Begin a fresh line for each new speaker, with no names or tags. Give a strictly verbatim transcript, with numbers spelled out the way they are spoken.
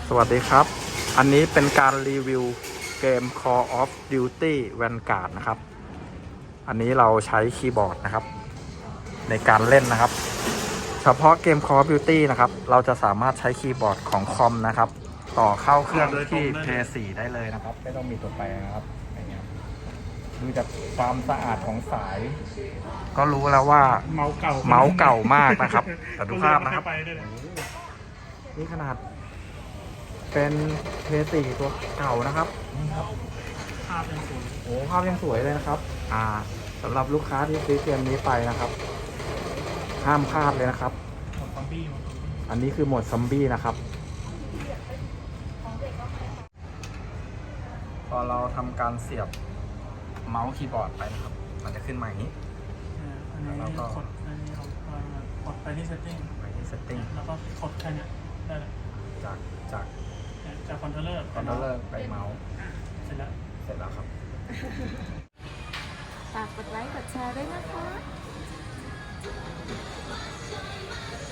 สวัสดีครับ อันนี้เป็นการรีวิวเกม Call of Duty Vanguard นะครับ อันนี้เราใช้คีย์บอร์ดนะครับในการเล่นนะครับ เฉพาะเกม Call of Duty นะครับเราจะสามารถใช้คีย์บอร์ดของคอมนะครับต่อเข้าเครื่องที่ พี เอส โฟร์ ได้เลยนะครับไม่ต้องมีตัวแปรนะครับอย่างเงี้ยดูจากความสะอาดของสาย ก็รู้แล้วว่า
เมาส์เก่า
เมาส์เก่ามากนะครับแต่ดูภาพนะครับนี่ขนาดเป็น พี เอส โฟร์ ตัวเก่านะครับนี่ครับ
ภาพยังสวย
โอ้ภาพยังสวยเลยนะครับอ่าสำหรับลูกค้าที่ซื้อเกมนี้ไปนะครับห้ามพลาดเลยนะครับ
หมดซอมบี้หมด
อันนี้คือโหมดซอมบี้นะครับพอเราทำการเสียบเมาส์คีย์บอร์ดไปนะครับมันจะขึ้นมาอย่างนี้
แล้วเราก็กดอันนี้เรากดไปที่ setting
ไปที่ setting
แล้วก็กดแค่นี้ได้เลย
จากจาก
จากคอนโทรลเลอร์
คอนโทรลเลอร์ไปเมาส์
เสร็จแล้ว
เสร็จแล้วครับ
ฝากกดไลค์กดแชร์ด้วยนะคะ